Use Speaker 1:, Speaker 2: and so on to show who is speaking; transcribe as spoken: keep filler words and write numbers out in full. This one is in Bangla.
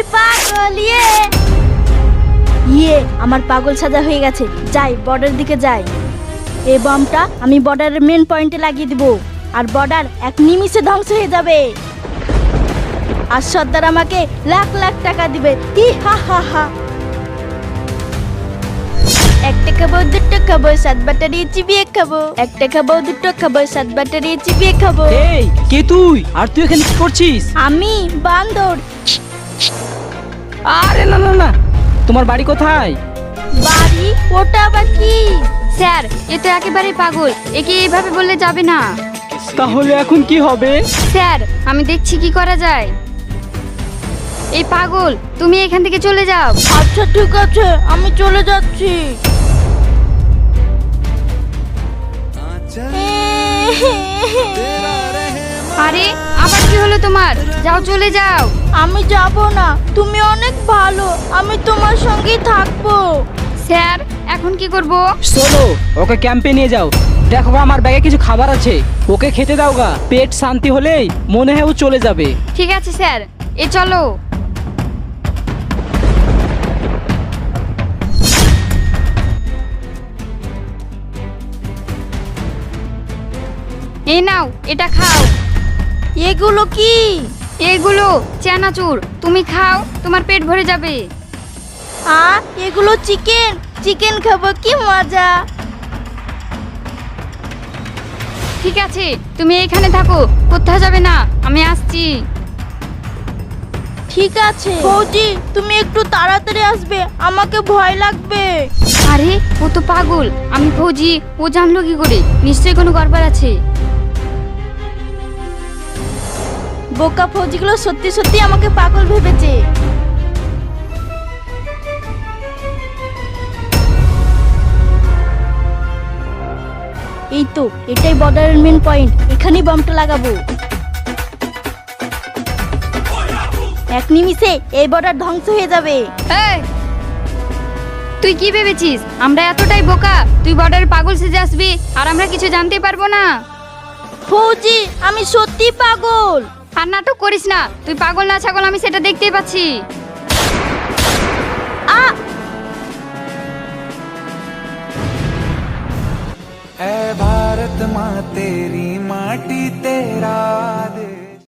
Speaker 1: পাগল ইয়ে ইয়ে আমার পাগল সাজা হয়ে গেছে। যাই বর্ডার দিকে যাই। এই বমটা আমি বর্ডারের মেন পয়েন্টে লাগিয়ে দিব আর বর্ডার এক নিমিষে ধ্বংস হয়ে যাবে। আর সর্দার আমাকে লাখ লাখ টাকা দিবে। ই হা হা হা। একটা খাবো, দুটো খাবো, সাত ব্যাটারি চিবিয়ে খাবো। একটা খাবো, দুটো খাবো, সাত ব্যাটারি চিবিয়ে খাবো।
Speaker 2: এই কে তুই? আর তুই এখানে কি করছিস?
Speaker 1: আমি বান্দর।
Speaker 2: আরে না না না, তোমার বাড়ি কোথায়?
Speaker 1: বাড়ি? ওটা আবার কি?
Speaker 3: স্যার, এ তো একেবারে পাগল, একে এইভাবে বললে যাবে না।
Speaker 2: তাহলে এখন কি হবে?
Speaker 3: স্যার, আমি দেখছি কি করা যায়। এই পাগল, তুমি এখান থেকে চলে যাও।
Speaker 1: আচ্ছা ঠিক আছে, আমি চলে যাচ্ছি।
Speaker 3: আরে আবার কি হলো তোমার? যাও, চলে যাও।
Speaker 1: আমি যাব না, তুমি অনেক ভালো, আমি তোমার সঙ্গেই থাকবো।
Speaker 3: স্যার, এখন কি করব?
Speaker 2: চলো ওকে ক্যাম্পে নিয়ে যাও। দেখো আমার ব্যাগে কিছু খাবার আছে, ওকে খেতে দাও গা। পেট শান্তি হলেই মনে হয় ও চলে যাবে।
Speaker 3: ঠিক আছে স্যার, এ চলো। এই নাও, এটা খাও।
Speaker 1: এগুলো কি?
Speaker 3: এগুলো চানাচুর, তুমি খাও, তোমার পেট ভরে যাবে।
Speaker 1: আ এগুলো চিকেন, চিকেন খাবো, কি মজা।
Speaker 3: ঠিক আছে, তুমি এখানে থাকো, কোথাও যাবে না, আমি আসছি।
Speaker 1: ঠিক আছে ফৌজি, তুমি একটু তাড়াতাড়ি আসবে, আমাকে ভয় লাগবে।
Speaker 3: আরে ও তো পাগল, আমি ফৌজি, ও জানলো কি করে? নিশ্চয়ই কোনো গড়বড় আছে।
Speaker 1: বোকা ফৌজিগুলো সত্যি সত্যি আমাকে পাগল ভেবেছে। এই তো এটাই বর্ডারের মেন পয়েন্ট, এখানেই বমটা লাগাবো। এক নিমিষে এই বর্ডার ধ্বংস হয়ে যাবে।
Speaker 3: এই, তুই কি ভেবেছিস আমরা এতটাই বোকা? তুই বর্ডারে পাগল সেজে আসবি আর আমরা কিছু জানতে পারবো না?
Speaker 1: ফৌজি আমি সত্যি পাগল।
Speaker 3: আর নাটক করিস না, তুই পাগল না ছাগল আমি সেটা দেখতেই পাচ্ছি।
Speaker 1: আ
Speaker 4: ऐ भारत माँ तेरी माटी तेरा देश।